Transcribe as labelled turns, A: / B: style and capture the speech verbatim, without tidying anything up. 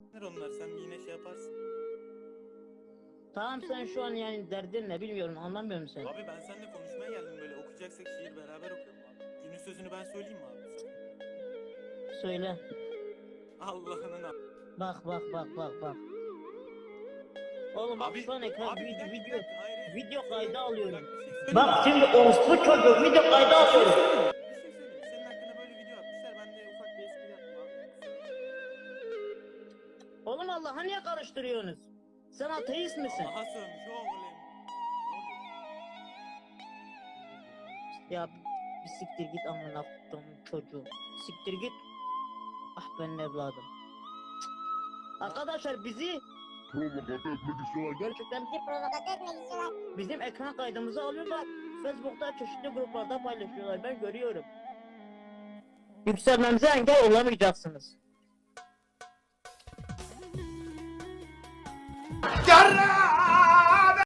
A: Onlar sen yine şey yaparsın.
B: Tamam sen şu an yani derdin ne bilmiyorum, anlamıyorum seni.
A: Abi ben seninle konuşmaya geldim, böyle okuyacaksak şiir beraber okuyalım abi. Günün sözünü ben söyleyeyim mi abi?
B: Söyle.
A: Allah'ının a-
B: Bak bak bak bak bak. Oğlum bak
A: Abi,
B: şu an ekran
A: abi bir
B: video
A: dakika, bir
B: video
A: dakika, hayır, hayır.
B: video kaydı alıyorum.
A: Bak, bir şey söyleyeyim.
B: Bak şimdi orospu çocuğu video kaydı alıyorum.
A: Bir şey söyleyeyim. Senin hakkında böyle video atmışlar. Ben de ufak bir espri yaptım abi.
B: Oğlum Allah'a niye karıştırıyorsunuz? Sen ateist misin?
A: Allah'a sövmüş oğlum.
B: Ya bir siktir git amına koyduğum çocuğu. Siktir git. Ah benim evladım. Cık. Arkadaşlar bizi
C: Provokatöre etmek istiyorlar.
B: gerçekten bizi provokatöre etmek istiyorlar. Bizim ekran kaydımızı alıyorlar. Facebook'ta çeşitli gruplarda paylaşıyorlar. Ben görüyorum. Yükselmemize engel olamayacaksınız.
D: Yarra!